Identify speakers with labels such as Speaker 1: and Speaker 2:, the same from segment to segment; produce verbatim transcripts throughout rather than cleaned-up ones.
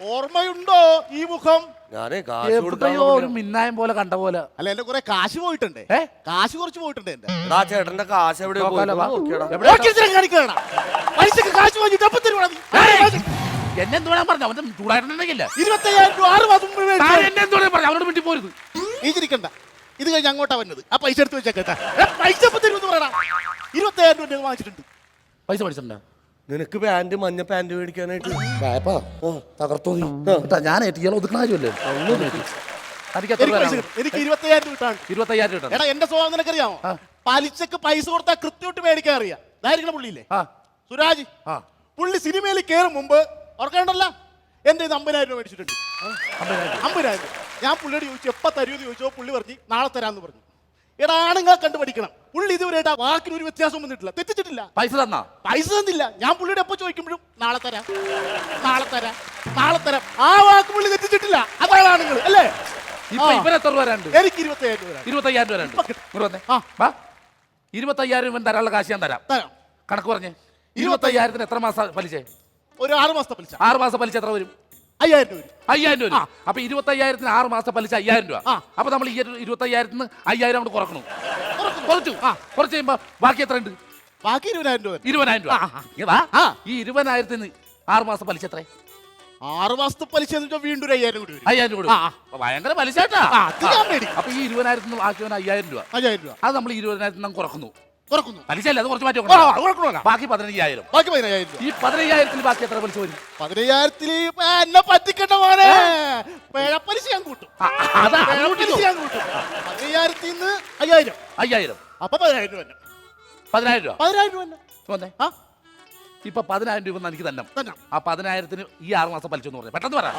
Speaker 1: ഓർമ്മയുണ്ടോ ഈ മുഖം?
Speaker 2: ഞാനേ
Speaker 3: എവിടെയോ ഒരു മിന്നായം പോലെ കണ്ട പോലെ.
Speaker 1: അല്ല എന്റെ കുറെ കാശ് പോയിട്ടുണ്ട്.
Speaker 3: ഏ
Speaker 1: കാശ് കുറച്ച് പോയിട്ടുണ്ട് എന്റെ.
Speaker 2: എടാ ചേട്ടന്റെ കാശ് എവിടെ
Speaker 1: കാശ് വാങ്ങിട്ട് അപ്പൊ തരുവാ നീ.
Speaker 3: എന്നെ എന്തോടാൻ പറഞ്ഞു? അവൻ ചൂടായിട്ടുണ്ടെങ്കില്ല
Speaker 1: ഇരുപത്തയ്യായിരം രൂപ ആറ് മാസം മുമ്പ് മേടിച്ചു.
Speaker 3: എന്നെ എന്തോടെ പറഞ്ഞു? അവനോട് വേണ്ടി പോരുത്.
Speaker 1: ഈ ചിരിക്കണ്ട, ഇത് കഴിഞ്ഞ് അങ്ങോട്ടാ വന്നത്. ആ പൈസ എടുത്ത് വെച്ചേട്ടാ. പൈസ എപ്പോ തരുമെന്ന് പറയണ. ഇരുപത്തയ്യായിരം രൂപ ഞാൻ വാങ്ങിച്ചിട്ടുണ്ട്.
Speaker 3: പൈസ മേടിച്ചിട്ടുണ്ടോ?
Speaker 2: നിനക്ക് പാന്റ് മഞ്ഞ പാന്റ് മേടിക്കാനായിട്ട്
Speaker 3: തകർത്തോ നീ. ഞാൻ ഒതുക്കണ കാര്യമല്ലേ.
Speaker 1: എനിക്ക് ഇരുപത്തയ്യായിരം രൂപ കിട്ടാണ്.
Speaker 3: ഇരുപത്തയ്യായിരം രൂപ.
Speaker 1: എടാ എന്റെ സ്വഭാവം നിനക്കറിയാമോ? പലിശക്ക് പൈസ കൊടുത്താൽ കൃത്യമായിട്ട് മേടിക്കാൻ അറിയാം. ഇതായിരിക്കണം പുള്ളിയില്ലേ സുരാജ്. പുള്ളി സിനിമയിൽ കയറും മുമ്പ് ഓർക്കണ്ടല്ല എന്റെ ഇത് അമ്പതിനായിരം രൂപ മേടിച്ചിട്ടുണ്ട്. അമ്പതിനായിരം രൂപ ഞാൻ പുള്ളിയോട് ചോദിച്ചു എപ്പ തരുമെന്ന് ചോദിച്ചോ. പുള്ളി പറഞ്ഞു നാളെ തരാന്ന് പറഞ്ഞു. എടാ ആണുങ്ങൾ കണ്ടുപഠിക്കണം. പുള്ളി ഇതുവരെയായിട്ട് ആ വാക്കിന് ഒരു വ്യത്യാസം വന്നിട്ടില്ല, തെറ്റിച്ചിട്ടില്ല.
Speaker 3: പൈസ തന്നാ?
Speaker 1: പൈസ തന്നില്ല. ഞാൻ പുള്ളിയുടെ എപ്പോ ചോദിക്കുമ്പോഴും നാളെ തരാം നാളെ തരാം നാളെ തരാം. ആ വാക്ക് പുള്ളി തെറ്റിച്ചിട്ടില്ല. അതാണ് ആണുങ്ങൾ അല്ലേ? എനിക്ക് ഇരുപത്തയ്യായിരം രൂപ
Speaker 3: ഇരുപത്തയ്യായിരം രൂപ ഇരുപത്തയ്യായിരം രൂപ തരാനുള്ള കാശ് ഞാൻ തരാം.
Speaker 1: തരാം.
Speaker 3: കണക്ക് പറഞ്ഞേ. ഇരുപത്തയ്യായിരത്തിന് എത്ര മാസം പലിശ?
Speaker 1: ഒരു ആറ് മാസത്തെ പലിശ.
Speaker 3: ആറ് മാസം പലിശ എത്ര വരും?
Speaker 1: അയ്യായിരം രൂപ.
Speaker 3: അയ്യായിരം രൂപ. അപ്പൊ ഇരുപത്തയ്യായിരത്തിന് ആറ് മാസം പലിശ അയ്യായിരം രൂപ. അപ്പൊ നമ്മൾ ഈ ഇരുപത്തയ്യായിരത്തിന് അയ്യായിരം കൊണ്ട് കുറക്കണം. കുറച്ചു കുറച്ച് കഴിയുമ്പോ ബാക്കി എത്ര ഉണ്ട്?
Speaker 1: ബാക്കി ഇരുപതിനായിരം രൂപ.
Speaker 3: ഇരുപതിനായിരം രൂപ. ഈ ഇരുപതിനായിരത്തിന് ആറ് മാസം പലിശ എത്ര?
Speaker 1: ആറ് മാസത്തെ പലിശ വീണ്ടും ഒരു അയ്യായിരം കൂടി.
Speaker 3: അയ്യായിരം കൂടി ഭയങ്കര പലിശ. അപ്പൊ ഈ ഇരുപതിനായിരത്തിന് ബാക്കി അയ്യായിരം രൂപ.
Speaker 1: അയ്യായിരം രൂപ
Speaker 3: അത് നമ്മൾ ഇരുപതിനായിരത്തിന് നമ്മൾ കുറക്കുന്നു. പലിശ അല്ല, അത് കുറച്ച് മാറ്റി ബാക്കി പതിനയ്യായിരം.
Speaker 1: ബാക്കി പതിനയ്യായിരം.
Speaker 3: ഈ പതിനയ്യായിരത്തിൽ ബാക്കി എത്ര പലിശ വരും?
Speaker 1: പതിനയ്യായിരത്തിൽ എന്നെ പറ്റിക്കണ്ട മോനെ. പലിശ ഞാൻ കൂട്ടും. പതിനയ്യായിരത്തിൽ നിന്ന് അയ്യായിരം.
Speaker 3: അയ്യായിരം
Speaker 1: അപ്പൊ പതിനായിരം രൂപ.
Speaker 3: പതിനായിരം രൂപ.
Speaker 1: പതിനായിരം രൂപ.
Speaker 3: ഇപ്പൊ പതിനായിരം രൂപ എനിക്ക് തന്നെ. ആ പതിനായിരത്തിന് ഈ ആറ് മാസം പലിശ എന്ന് പറഞ്ഞു പെട്ടെന്ന് പറയാം.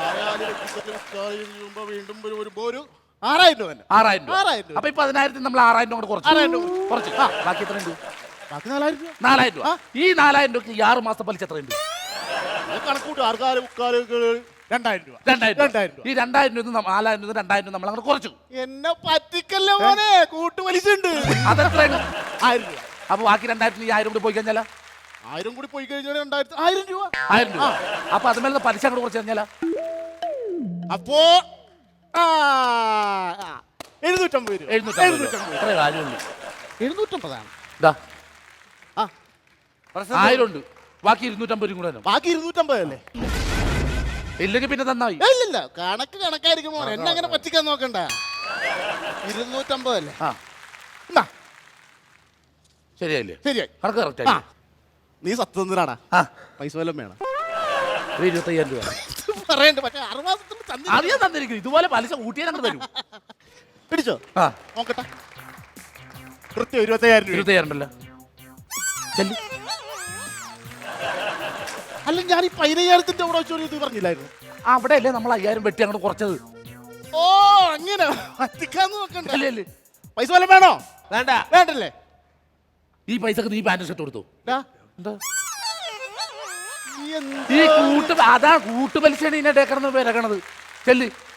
Speaker 3: ആറായിരം രൂപ. ആറായിരം രൂപ. അപ്പൊ ഈ പതിനായിരത്തിന് നമ്മൾ ആറായിരം രൂപ കുറച്ച് കുറച്ച് ബാക്കി എത്ര ഉണ്ട്?
Speaker 1: ബാക്കി നാലായിരം രൂപ.
Speaker 3: നാലായിരം രൂപ. ഈ നാലായിരം രൂപ ഈ ആറ് മാസം പലിശ എത്ര ഉണ്ട്?
Speaker 1: കണക്കൂട്ട് ആർക്കാല് മുക്കാല് രണ്ടായിരം രൂപ.
Speaker 3: രണ്ടായിരം രൂപ. ഈ രണ്ടായിരം രൂപ നാലായിരം രൂപ രണ്ടായിരം രൂപ നമ്മൾ അങ്ങനെ കുറച്ചു.
Speaker 1: എന്നെ പറ്റിക്കല്ലേ മോനെ. കൂട്ടുപലിശ ഉണ്ട്.
Speaker 3: അതെത്രയാണ്?
Speaker 1: ആയിരം രൂപ.
Speaker 3: അപ്പൊ ബാക്കി രണ്ടായിരത്തിന് ഈ ആയിരം കൂടി പോയി കഴിഞ്ഞാൽ
Speaker 1: ആയിരം കൂടി പോയി കഴിഞ്ഞാൽ രണ്ടായിരത്തി ആയിരം രൂപ.
Speaker 3: ആയിരം രൂപ. അപ്പൊ അതുമേലെ പലിശ കൂടെ കുറച്ച് കഴിഞ്ഞാൽ
Speaker 1: അപ്പോ എഴുന്നൂറ്റമ്പത് രൂപ. എഴുന്നൂറ്റമ്പതാണ്.
Speaker 3: ആയിരം ഉണ്ട്. ബാക്കി ഇരുന്നൂറ്റമ്പത് രൂപ കൂടെ.
Speaker 1: ബാക്കി ഇരുന്നൂറ്റമ്പത് അല്ലേ?
Speaker 3: ഇല്ലെങ്കിൽ പിന്നെ തന്നായി.
Speaker 1: ഇല്ലില്ല, കണക്ക് കണക്കായിരിക്കും മോനെ. എന്നെ അങ്ങനെ പറ്റിക്കാൻ നോക്കണ്ട. ഇരുന്നൂറ്റമ്പത് അല്ലേ?
Speaker 3: ശരിയായില്ലേ?
Speaker 1: ശരിയായി.
Speaker 3: കണക്ക് കറക്റ്റ്.
Speaker 1: നീ സത്യസന്ധനാടാ. പൈസ വല്ലതും വേണം.
Speaker 3: ഇരുപത്തയ്യായിരം രൂപ
Speaker 1: പറയണ്ട. പക്ഷെ ആറ് മാസത്തിന്
Speaker 3: അറിയാൻ തന്നിരിക്കും. ഇതുപോലെ പലിശ കൂട്ടിയാൽ അങ്ങനെ തരും.
Speaker 1: പിടിച്ചോ? നോക്കട്ടെ. കൃത്യം ഇരുപത്തയ്യായിരം രൂപ.
Speaker 3: ഇരുപത്തയ്യായിരം ഉണ്ടല്ലോ.
Speaker 1: അല്ല ഞാൻ ഈ പതിനയ്യായിരത്തിന്റെ അവിടെ വെച്ചോളൂ ഇത് പറഞ്ഞില്ലായിരുന്നു?
Speaker 3: അവിടെ അല്ലേ നമ്മൾ അയ്യായിരം വെട്ടി അങ്ങോട്ട് കുറച്ചത്.
Speaker 1: ഓ അങ്ങനെ പറ്റിക്കാന്ന് നോക്കണ്ടല്ലേ. പൈസ വല്ലതും വേണോ? വേണ്ട. വേണ്ടല്ലേ? ഈ
Speaker 3: പൈസക്ക് നീ പാന്റ് ഷർട്ട് കൊടുത്തു.
Speaker 1: എന്താ
Speaker 3: ഈ കൂട്ട് അതാ കൂട്ടുപലിശയാണ് ഇതിനെ ഡേക്കണെന്ന് പേരക്കണത്. ചെല്ല്.